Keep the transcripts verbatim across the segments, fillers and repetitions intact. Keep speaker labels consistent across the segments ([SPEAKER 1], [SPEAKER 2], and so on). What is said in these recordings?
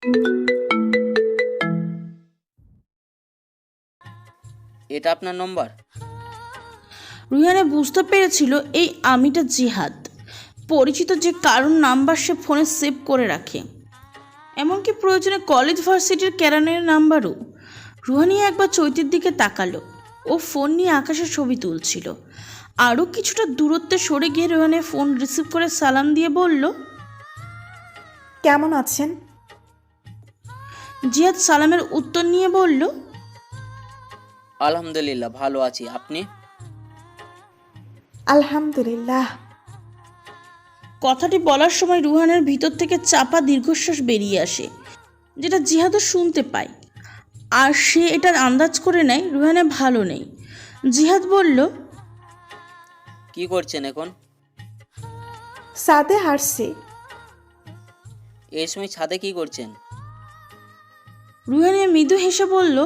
[SPEAKER 1] এটা আপনার নম্বর?
[SPEAKER 2] রুহানা বুঝতে পেরেছিল এই আমিটা জিহাদ, পরিচিত যে কারণ নাম্বার সে ফোনে সেভ করে রাখে, এমনকি প্রয়োজনে কলেজ ভার্সিটির ক্যারানের নাম্বারও। রুহানিয়া একবার চৈতির দিকে তাকালো। ও ফোন নিয়ে আকাশের ছবি তুলছিল। আরও কিছুটা দূরত্বে সরে গিয়ে রুহানিয়া ফোন রিসিভ করে সালাম দিয়ে বলল,
[SPEAKER 3] কেমন আছেন?
[SPEAKER 2] জিহাদ সালামের উত্তর নিয়ে বলল,
[SPEAKER 1] আলহামদুলিল্লাহ ভালো আছি, আপনি?
[SPEAKER 3] আলহামদুলিল্লাহ।
[SPEAKER 2] কথাটি বলার সময় রুহানের ভিতর থেকে চাপা দীর্ঘশ্বাস বেরিয়ে আসে, যেটা জিহাদও শুনতে পায়। আর সে এটার আন্দাজ করে নেয় রুহানা ভালো নেই। জিহাদ বলল,
[SPEAKER 1] কি করছেন এখন?
[SPEAKER 3] সাদে হারছি।
[SPEAKER 1] এই সময় ছাদে কি করছেন?
[SPEAKER 2] রুহানিয়া মৃদু হেসে বলল,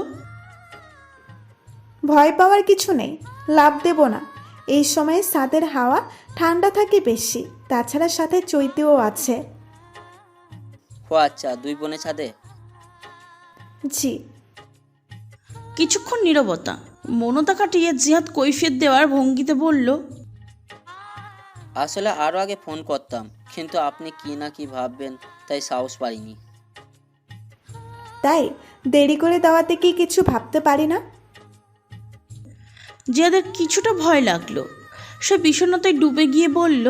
[SPEAKER 3] ভয় পাওয়ার কিছু নেই, লাভ দেব না। এই সময়ে সাদের হাওয়া ঠান্ডা থাকে বেশি, তাছাড়া সাথে চৈতেও আছে।
[SPEAKER 1] ও আচ্ছা, দুই বোনে ছাদে?
[SPEAKER 3] জি।
[SPEAKER 2] কিছুক্ষণ নীরবতা। মনতা কাটিয়ে জিহাদ কৈফিয়ত দেওয়ার ভঙ্গিতে বলল,
[SPEAKER 1] আসলে আরও আগে ফোন করতাম, কিন্তু আপনি কি না কি ভাববেন তাই সাহস পাইনি।
[SPEAKER 3] তাই দেরি করে দেওয়াতে কি কিছু ভাবতে পারি না?
[SPEAKER 2] জিহাদের কিছুটা ভয় লাগলো। সে বিষণ্ণতায় ডুবে গিয়ে বলল,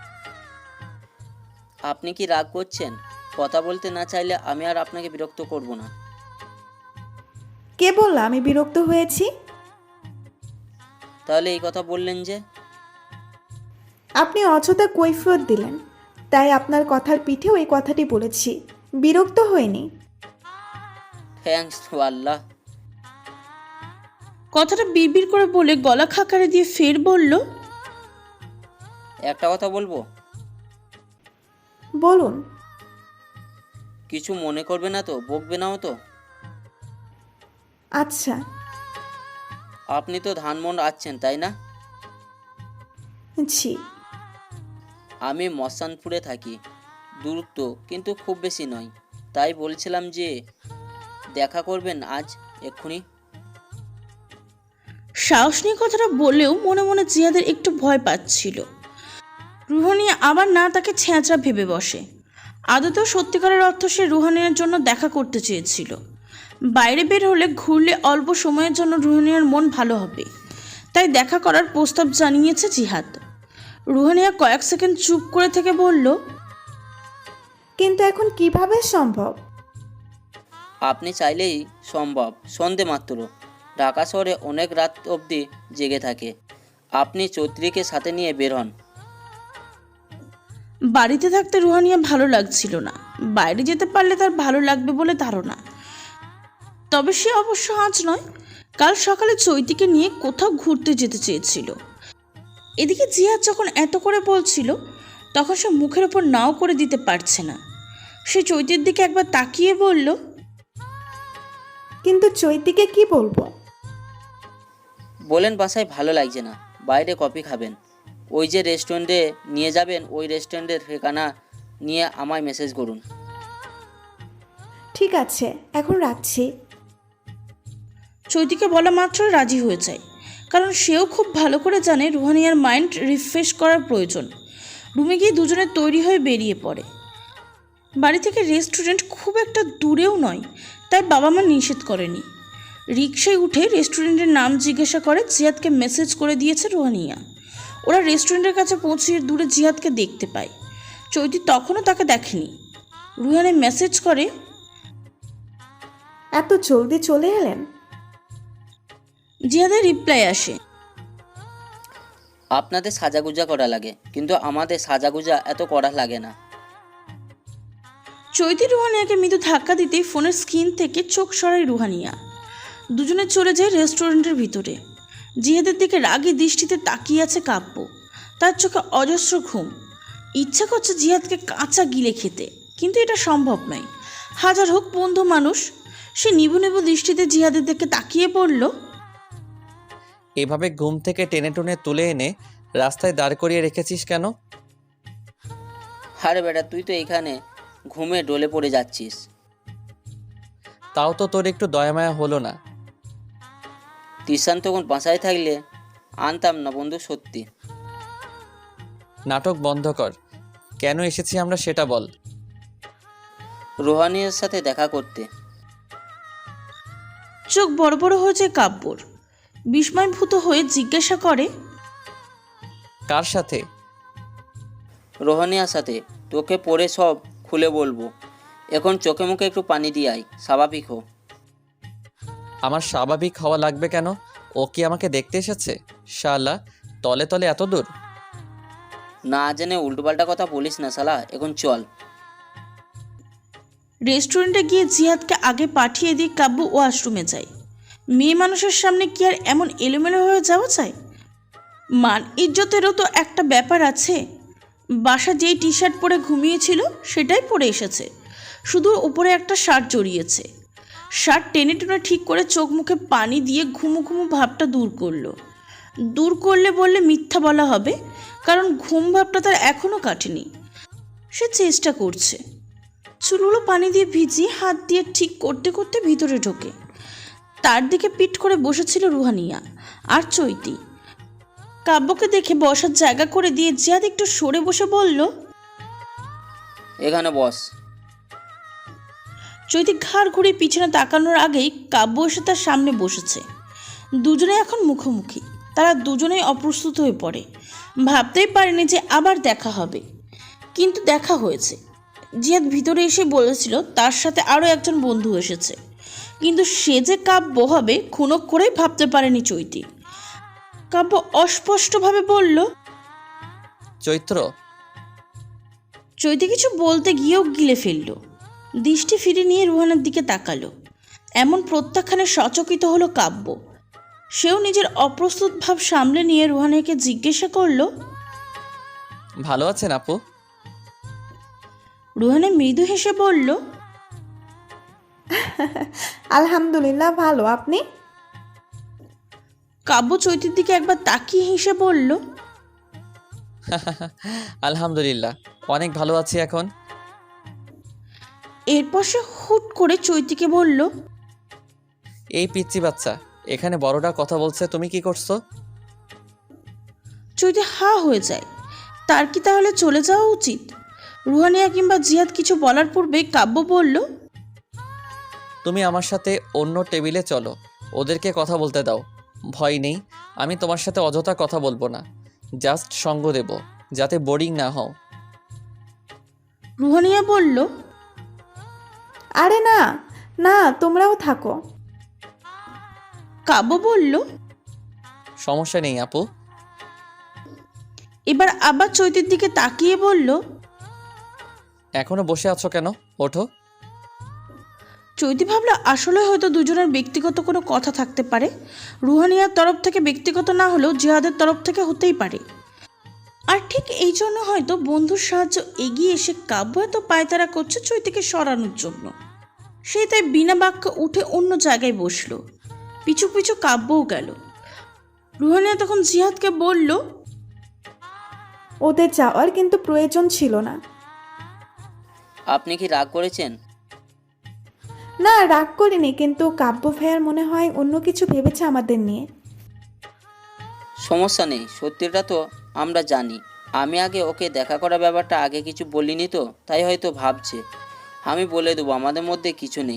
[SPEAKER 1] আপনি কি রাগ করছেন? কথা বলতে না চাইলে আমি আর আপনাকে বিরক্ত করব না।
[SPEAKER 3] কে বলল আমি বিরক্ত হয়েছি?
[SPEAKER 1] তাহলে এই কথা বললেন যে?
[SPEAKER 3] আপনি অযথা কৈফিয়ত দিলেন, তাই আপনার কথার পিঠেও এই কথাটি বলেছি। বিরক্ত হয়নি।
[SPEAKER 1] থ্যাঙ্কস টু আল্লাহ।
[SPEAKER 2] কথাটা বিড়বিড় করে বলে গলা খাকারে দিয়ে ফের বলল,
[SPEAKER 1] একটা কথা বলবো?
[SPEAKER 3] বলুন।
[SPEAKER 1] কিছু মনে করবে না তো? বকবে নাও তো?
[SPEAKER 3] আচ্ছা।
[SPEAKER 1] আপনি তো ধানমন্ড আছেন তাই না?
[SPEAKER 3] জি।
[SPEAKER 1] আমি মসানপুরে থাকি, দূরত্ব কিন্তু খুব বেশি নয়। তাই বলছিলাম যে দেখা করবেন আজ এক্ষুনি।
[SPEAKER 2] সাহস নিয়ে কথাটা বলেও মনে মনে জিহাদের একটু ভয় পাচ্ছিল। রুহানিয়া আবার না তাকে ছেঁচড়া ভেবে বসে। আদতেও সত্যিকারের অর্থ সে রুহানিয়ার জন্য দেখা করতে চেয়েছিল। বাইরে বের হলে ঘুরলে অল্প সময়ের জন্য রুহানিয়ার মন ভালো হবে, তাই দেখা করার প্রস্তাব জানিয়েছে জিহাদ। রুহানিয়া কয়েক সেকেন্ড চুপ করে থেকে বলল,
[SPEAKER 3] কিন্তু এখন কিভাবে সম্ভব?
[SPEAKER 1] আপনি চাইলেই সম্ভব। সন্ধে মাত্র। ঢাকা শহরে অনেক রাত অবধি জেগে থাকে। আপনি চৌত্রীকে সাথে নিয়ে বের হন।
[SPEAKER 2] বাড়িতে থাকতে রুহানিয়া ভালো লাগছিল না। বাইরে যেতে পারলে তার ভালো লাগবে বলে ধারণা। তবে সে অবশ্য আজ নয়, কাল সকালে চৈতিকে নিয়ে কোথাও ঘুরতে যেতে চেয়েছিল। এদিকে জিহাদ যখন এত করে বলছিল, তখন সে মুখের ওপর নাও করে দিতে পারছে না। সে চৈতির দিকে একবার তাকিয়ে বলল,
[SPEAKER 3] কিন্তু চৈতিকে কি বলবো?
[SPEAKER 1] বলেন বাসায় ভালো লাগছে না, বাইরে কফি খাবেন। ওই যে রেস্টুরেন্টে নিয়ে যাবেন, ওই রেস্টুরেন্টের ঠিকানা নিয়ে আমায় মেসেজ করুন।
[SPEAKER 3] ঠিক আছে, এখন রাখছি।
[SPEAKER 2] চৈতিকে বলা মাত্রই রাজি হয়ে যায়, কারণ সেও খুব ভালো করে জানে রুহানিয়ার মাইন্ড রিফ্রেশ করার প্রয়োজন। রুমে গিয়ে দুজনে তৈরি হয়ে বেরিয়ে পড়ে। বাড়ি থেকে রেস্টুরেন্ট খুব একটা দূরেও নয়, তাই বাবা মা নিষেধ করেনি। রিকশায় উঠে রেস্টুরেন্টের নাম জিজ্ঞাসা করে জিহাদকে মেসেজ করে দিয়েছে রুহানিয়া। ওরা রেস্টুরেন্টের কাছে পৌঁছিয়ে দূরে জিহাদকে দেখতে পায়। চৈতি তখনও তাকে দেখেনি। রুহানি মেসেজ করে,
[SPEAKER 3] এত জলদি চলে এলেন?
[SPEAKER 2] জিহাদের রিপ্লাই আসে,
[SPEAKER 1] আপনাদের সাজাগুজা করা লাগে, কিন্তু আমাদের সাজাগুজা এত করা লাগে না।
[SPEAKER 2] চৈতি রুহানিয়াকে মৃদু ধাক্কা দিতেই ফোনের স্ক্রিন থেকে চোখ সরায় রুহানিয়া। দুজনে চলে যায় রেস্টুরেন্টের ভিতরে। জিহাদের দিকে রাগী দৃষ্টিতে তাকিয়ে আছে কাব্য। তার চোখে অজস্র ঘুম। ইচ্ছা করছে জিহাদকে কাঁচা গিলে খেতে, কিন্তু এটা সম্ভব নয়। হাজার হোক বন্ধু মানুষ। সে নিবু নিবু দৃষ্টিতে জিহাদের দিকে তাকিয়ে বলল,
[SPEAKER 4] এভাবে ঘুম থেকে টেনে টুনে তুলে এনে রাস্তায় দাঁড় করিয়ে রেখেছিস কেন?
[SPEAKER 1] আরে বেটা, তুই তো এখানে ঘুমে ডলে পড়ে যাচ্ছিস।
[SPEAKER 4] তাও তো তোর একটু দয়ামায়া হলো না।
[SPEAKER 1] তিশান তখন বাসায় থাকলে আনতাম না বন্ধু, সত্যি।
[SPEAKER 4] নাটক বন্ধ কর, কেন এসেছি আমরা সেটা বল।
[SPEAKER 1] রোহানিয়ার সাথে দেখা করতে।
[SPEAKER 2] চোখ বড় বড় হয়ে যায় কাব্যর। বিস্ময়ভূত হয়ে জিজ্ঞাসা করে,
[SPEAKER 4] কার সাথে?
[SPEAKER 1] রোহানিয়ার সাথে। তোকে পরে সব খুলে বলবো, এখন চোখে মুখে একটু পানি দিয়ে আয়, স্বাভাবিক হো।
[SPEAKER 4] আমার স্বাভাবিক হওয়া লাগবে কেন? ও কি আমাকে দেখতে এসেছে? শালা, তলে তলে এত দূর।
[SPEAKER 1] না জেনে উল্টোপাল্টা কথা বলিস না শালা, এখন চল।
[SPEAKER 2] রেস্টুরেন্টে গিয়ে জিহাদকে আগে পাঠিয়ে দিয়ে কাব্য ওয়াশরুমে যায়। মেয়ে মানুষের সামনে কি আর এমন এলোমেলো হয়ে যাওয়া যায়? মান ইজ্জতেরও তো একটা ব্যাপার আছে। বাসা যেই টি শার্ট পরে ঘুমিয়েছিল সেটাই পরে এসেছে, শুধু উপরে একটা শার্ট জড়িয়েছে। শার্ট টেনে টেনে ঠিক করে চোখ মুখে পানি দিয়ে ঘুমু ঘুমু ভাবটা দূর করলো। দূর করলে বললে মিথ্যা বলা হবে, কারণ ঘুম ভাবটা তার এখনও কাটেনি। সে চেষ্টা করছে। চুলগুলো পানি দিয়ে ভিজিয়ে হাত দিয়ে ঠিক করতে করতে ভিতরে ঢোকে। তার দিকে পিঠ করে বসেছিল রুহানিয়া আর চৈতি। কাব্যকে দেখে বসার জায়গা করে দিয়ে জিয়াদ একটু সরে বসে বলল,
[SPEAKER 1] এখানে বস।
[SPEAKER 2] চৈতি ঘাড় ঘুরিয়ে পিছনে তাকানোর আগেই কাব্য এসে তার সামনে বসেছে। দুজনে এখন মুখোমুখি। তারা দুজনেই অপ্রস্তুত হয়ে পড়ে। ভাবতেই পারেনি যে আবার দেখা হবে, কিন্তু দেখা হয়েছে। জিয়াদ ভিতরে এসে বলেছিল তার সাথে আরও একজন বন্ধু এসেছে, কিন্তু সে যে কাব্য হবে খুনক করেই ভাবতে পারেনি চৈতি। কাব্য অস্পষ্টভাবে বলল,
[SPEAKER 4] চৈত্র।
[SPEAKER 2] চৈতি কিছু বলতে গিয়েও গিলে ফেলল। দৃষ্টি ফিরে নিয়ে রুহানের দিকে তাকালো। এমন প্রত্যাখ্যানে সচকিত হলো কাব্য। সেও নিজের অপ্রস্তুত ভাব সামলে নিয়ে রুহানিকে জিজ্ঞাসা করলো,
[SPEAKER 4] ভালো আছেন আপু?
[SPEAKER 2] রুহানে মৃদু হেসে বলল,
[SPEAKER 3] আলহামদুলিল্লাহ ভালো, আপনি?
[SPEAKER 2] কাব্য চৈতির দিকে একবার তাকিয়ে হেসে বলল,
[SPEAKER 4] আলহামদুলিল্লাহ, অনেক ভালো আছি এখন।
[SPEAKER 2] এরপর সে হুট করে চৈতিকে বলল,
[SPEAKER 4] এই পিচ্চি বাচ্চা, এখানে বড়রা কথা বলছে, তুমি কি করছো?
[SPEAKER 2] চৈতি হা হয়ে যায়। তার কি তাহলে চলে যাওয়া উচিত? রুহানিয়া কিংবা জিহাদ কিছু বলার পূর্বে কাব্য বলল,
[SPEAKER 4] তুমি আমার সাথে অন্য টেবিলে চলো, ওদেরকে কথা বলতে দাও। ভয় নেই, আমি তোমার সাথে অযথা কথা বলবো না, জাস্ট সঙ্গ দেব, যাতে বোরিং না হও।
[SPEAKER 2] রুহানিয়া বলল,
[SPEAKER 3] আরে না না, তোমরাও থাকো।
[SPEAKER 2] কাব্য বলল,
[SPEAKER 4] সমস্যা নেই আপু।
[SPEAKER 2] এবার আবার চৈতির দিকে তাকিয়ে বলল,
[SPEAKER 4] এখনো বসে আছো কেন? ওঠো।
[SPEAKER 2] চৈতি ভাবলো আসলে হয়তো দুজনের ব্যক্তিগত কোনো কথা থাকতে পারে। রুহানিয়ার তরফ থেকে ব্যক্তিগত না হলেও জিহাদের তরফ থেকে হতেই পারে। আর ঠিক এই জন্য হয়তো বন্ধুর সাহায্য এগিয়ে এসে কাব্য এত পায়তারা করছে চৈতিকে সরানোর জন্য। সে তাই বিনা বাক্যে উঠে অন্য জায়গায় বসলো। পিছু পিছু কাব্যও গেল। রুহানিয়া তখন জিহাদকে বলল,
[SPEAKER 3] ওদের যাওয়ার কিন্তু প্রয়োজন ছিল না।
[SPEAKER 1] আপনি কি রাগ করেছেন?
[SPEAKER 3] না, রাগ করিনি, কিন্তু কাব্য ভাইয়ার মনে হয় অন্য কিছু ভেবেছে আমাদের নিয়ে।
[SPEAKER 1] সমস্যা নেই, সত্যিটা তো আমরা জানি। আমি আগে ওকে দেখা করার ব্যাপারটা আগে কিছু বলিনি তো, তাই হয়তো ভাবছে। আমি বলে দেবো আমাদের মধ্যে কিছু নেই।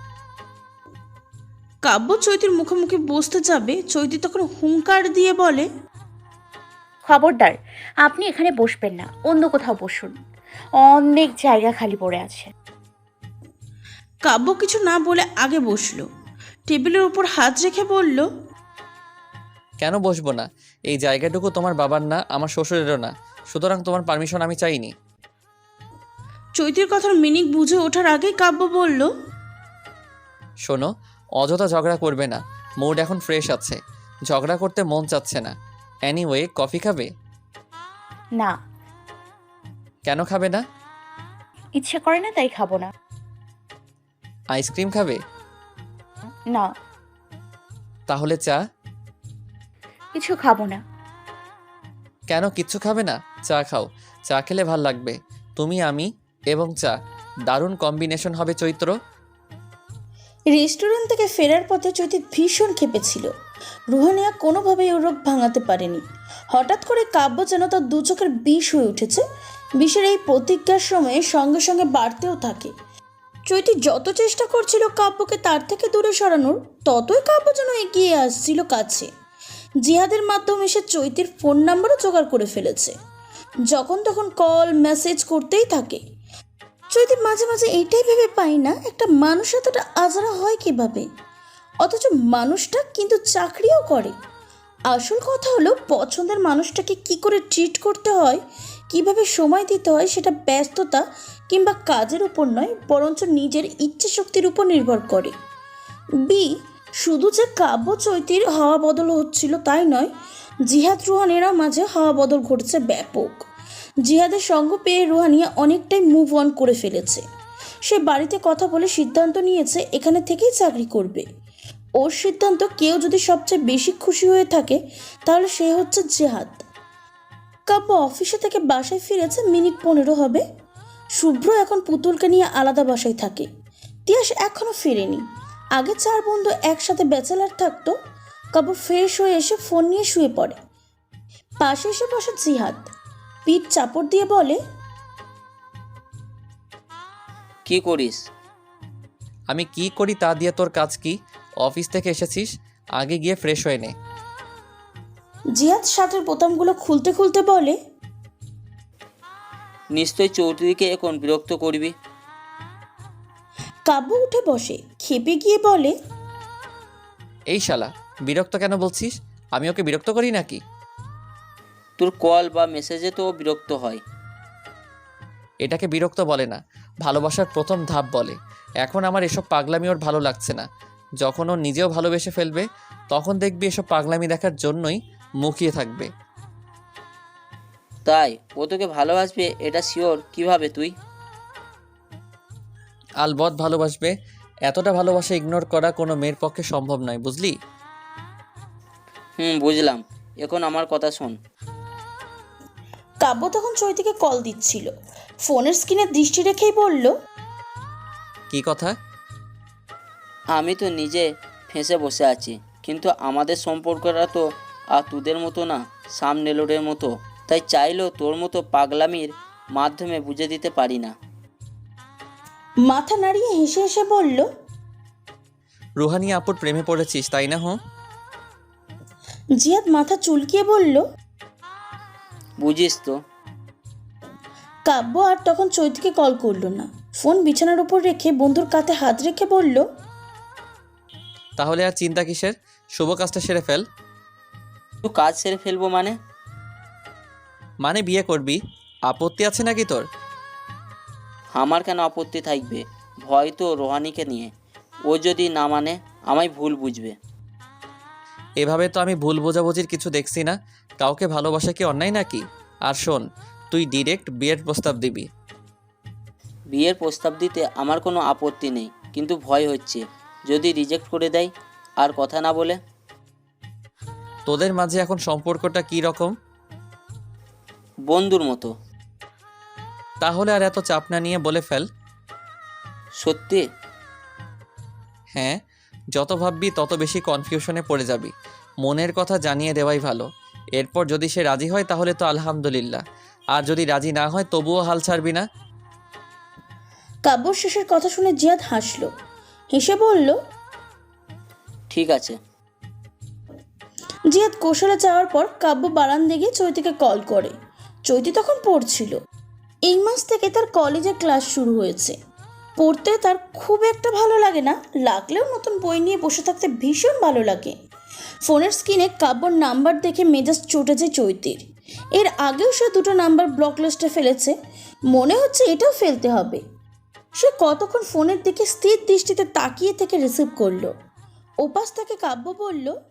[SPEAKER 2] কাব্য চৈতির মুখোমুখি বসতে যাবে, চৈতি তখন হুঙ্কার দিয়ে বলে,
[SPEAKER 5] খবরদার, আপনি এখানে বসবেন না, অন্য কোথাও বসুন, অনেক জায়গা খালি পড়ে আছে।
[SPEAKER 2] কাব্য কিছু না বলে আগে বসলো। টেবিলের উপর হাত রেখে বলল,
[SPEAKER 4] কেন বসবো না? এই জায়গাটুকু তোমার বাবার না, আমার শ্বশুরেরও না, সুতরাং তোমার পারমিশন আমি চাইনি।
[SPEAKER 2] চৈতির কথার মিনিং বুঝে ওঠার আগেই কাব্য বলল,
[SPEAKER 4] শোনো, অযথা ঝগড়া করবে না, মুড এখন ফ্রেশ আছে, ঝগড়া করতে মন চাচ্ছে না। এনিওয়ে, কফি খাবে?
[SPEAKER 5] না,
[SPEAKER 4] কেন খাবে না?
[SPEAKER 5] ইচ্ছে করে না তাই খাবো না।
[SPEAKER 4] আইসক্রিম খাবে?
[SPEAKER 5] না,
[SPEAKER 4] তাহলে চা?
[SPEAKER 5] কিছু খাবো না।
[SPEAKER 4] কেন কিচ্ছু খাবে না? চা খাও, চা খেলে ভাল লাগবে। তুমি, আমি এবং চা, দারুণ কম্বিনেশন হবে চৈত্র।
[SPEAKER 2] রেস্টুরেন্ট থেকে ফেরার পথে চৈতি ভীষণ ক্ষেপেছিল। রুহানিয়া কোনোভাবেই ওর রোগ ভাঙাতে পারেনি। হঠাৎ করে কাব্য যেন তার দু চোখের বিষ হয়ে উঠেছে। বিষের এই প্রতিজ্ঞার সময়ে সঙ্গে সঙ্গে বাড়তেও থাকে। চৈতি যত চেষ্টা করছিল কাব্যকে তার থেকে দূরে সরানোর, ততই কাব্য যেন এগিয়ে আসছিল কাছে। জিহাদের মাধ্যমে সে চৈতির ফোন নাম্বারও জোগাড় করে ফেলেছে। যখন তখন কল মেসেজ করতেই থাকে। চৈতি মাঝে মাঝে এইটাই ভেবে পাই না, একটা মানুষ এতটা আজারা হয় কিভাবে, অথচ মানুষটা কিন্তু চাকরিও করে। আসল কথা হলো পছন্দের মানুষটাকে কি করে ট্রিট করতে হয়, কিভাবে সময় দিতে হয়, সেটা ব্যস্ততা কিংবা কাজের উপর নয়, বরঞ্চ নিজের ইচ্ছে শক্তির উপর নির্ভর করে। বি শুধু যে কাব্য চৈতির হাওয়া বদল হচ্ছিল তাই নয়, জিহাদ রুহানিয়ার মাঝে হাওয়া বদল ঘটছে ব্যাপক। জিহাদের সঙ্গ পেয়ে রুহানিয়া অনেকটাই মুভ অন করে ফেলেছে। সে বাড়িতে কথা বলে সিদ্ধান্ত নিয়েছে এখানে থেকেই চাকরি করবে। ওর সিদ্ধান্ত কেউ যদি সবচেয়ে বেশি খুশি হয়ে থাকে তাহলে সে হচ্ছে জিহাদ। কাব্য অফিসে থেকে বাসায় ফিরেছে মিনিট পনেরো হবে। শুভ্র এখন পুতুলকে নিয়ে আলাদা বাসায় থাকে। তিয়াস এখনও ফেরেনি। আগে চার বন্ধু একসাথে ব্যাচেলার থাকতো। কাব্য ফ্রেশ হয়ে এসে ফোন নিয়ে শুয়ে পড়ে। পাশে এসে বসে জিহাদ, পিঠ চাপড় দিয়ে বলে,
[SPEAKER 1] কি করিস?
[SPEAKER 4] আমি কি করি তা দিয়ে তোর কাজ কি? অফিস থেকে এসেছিস, আগে গিয়ে ফ্রেশ হয়ে নে।
[SPEAKER 2] জিহাদ শার্টের বোতামগুলো খুলতে খুলতে বলে,
[SPEAKER 1] নিশ্চয় চৌধুরীকে এখন বিরক্ত করবি।
[SPEAKER 2] কাব্য উঠে বসে খেপে গিয়ে বলে,
[SPEAKER 4] এই শালা, বিরক্ত কেন বলছিস? আমি ওকে বিরক্ত করি নাকি?
[SPEAKER 1] তোর কল বা মেসেজে তো ও বিরক্ত হয়।
[SPEAKER 4] এটাকে বিরক্ত বলে না, ভালোবাসার প্রথম ধাপ বলে। এখন আমার এসব পাগলামি ওর ভালো লাগছে না। যখন ও নিজেও ভালোবেসে ফেলবে তখন দেখবি এসব পাগলামি দেখার জন্যই মুখিয়ে থাকবে।
[SPEAKER 1] তাই ও তোকে ভালোবাসবে এটা শিওর কিভাবে তুই?
[SPEAKER 4] আলবৎ ভালোবাসবে। এতটা ভালোবাসা ইগনোর করা কোনো মেয়ের পক্ষে সম্ভব নয়, বুঝলি?
[SPEAKER 1] হুম, বুঝলাম। এখন আমার কথা শোন।
[SPEAKER 2] কাব্য তখন চৈতিকে কল দিচ্ছিল। ফোনের স্ক্রিনে দৃষ্টি রেখেই বলল,
[SPEAKER 4] কি কথা?
[SPEAKER 1] আমি তো নিজে ফেঁসে বসে আছি, কিন্তু আমাদের সম্পর্কটা তো আর তোদের মতো না, সামনেলোডের মতো। তাই চাইলেও তোর মতো পাগলামির মাধ্যমে বুঝে দিতে পারি না।
[SPEAKER 2] মাথা নাড়িয়ে হেসে হেসে বলল,
[SPEAKER 4] রুহানি আপুর প্রেমে পড়েছিস তাই না? হুঁ।
[SPEAKER 2] জিহাদ মাথা চুলকিয়ে বলল,
[SPEAKER 1] বুঝিস তো।
[SPEAKER 2] কাব্য আর তখন চৈতিকে কল করলো না। ফোন বিছানার উপর রেখে বন্ধুর কাঁধে হাত রেখে বলল,
[SPEAKER 4] তাহলে আর চিন্তা কিসের? শুভ কাজটা সেরে ফেল।
[SPEAKER 1] তুই কাজ সেরে ফেলবো মানে?
[SPEAKER 4] মানে বিয়ে করবি? আপত্তি আছে নাকি তোর?
[SPEAKER 1] আমার কেন আপত্তি থাকবে? ভয় তো রোহানিকে নিয়ে। ও যদি না মানে আমায় ভুল বুঝবে।
[SPEAKER 4] এভাবে তো আমি ভুল বোঝাবুঝির কিছু দেখছি না। কাউকে ভালোবাসা কি অন্যায় নাকি? আর শোন, তুই ডিরেক্ট বিয়ের প্রস্তাব দিবি।
[SPEAKER 1] বিয়ের প্রস্তাব দিতে আমার কোনো আপত্তি নেই, কিন্তু ভয় হচ্ছে যদি রিজেক্ট করে দেয় আর কথা না বলে।
[SPEAKER 4] তোদের মাঝে এখন সম্পর্কটা কি রকম?
[SPEAKER 1] বন্ধুর মতো।
[SPEAKER 4] তাহলে আর এত চাপ না নিয়ে বলে ফেল।
[SPEAKER 1] সত্যি?
[SPEAKER 4] হ্যাঁ, যত ভাববি তত বেশি কনফিউশনে পড়ে যাবি। মনের কথা জানিয়ে দেওয়াই ভালো। এরপর যদি সে রাজি হয় তাহলে তো আলহামদুলিল্লাহ, আর যদি রাজি না হয় তবুও হাল ছাড়বি না।
[SPEAKER 2] কাব্যর শেষের কথা শুনে জিহাদ হাসল, হেসে বলল,
[SPEAKER 1] ঠিক আছে।
[SPEAKER 2] জিহাদ কৌশলে যাওয়ার পর কাব্য বারান্দে গিয়ে চৈতিকে কল করে। চৈতি তখন পড়ছিল। এই মাস থেকে তার কলেজে ক্লাস শুরু হয়েছে। পড়তে তার খুব একটা ভালো লাগে না, লাগলেও নতুন বই নিয়ে বসে থাকতে ভীষণ ভালো লাগে। ফোনের স্ক্রিনে কাব্যর নাম্বার দেখে মেজাজ চটে যায় চৈতির। এর আগেও সে দুটো নাম্বার ব্লক লিস্টে ফেলেছে, মনে হচ্ছে এটাও ফেলতে হবে। সে কতক্ষণ ফোনের দিকে স্থির দৃষ্টিতে তাকিয়ে থেকে রিসিভ করলো। ওপাশ থেকে কাব্য বলল,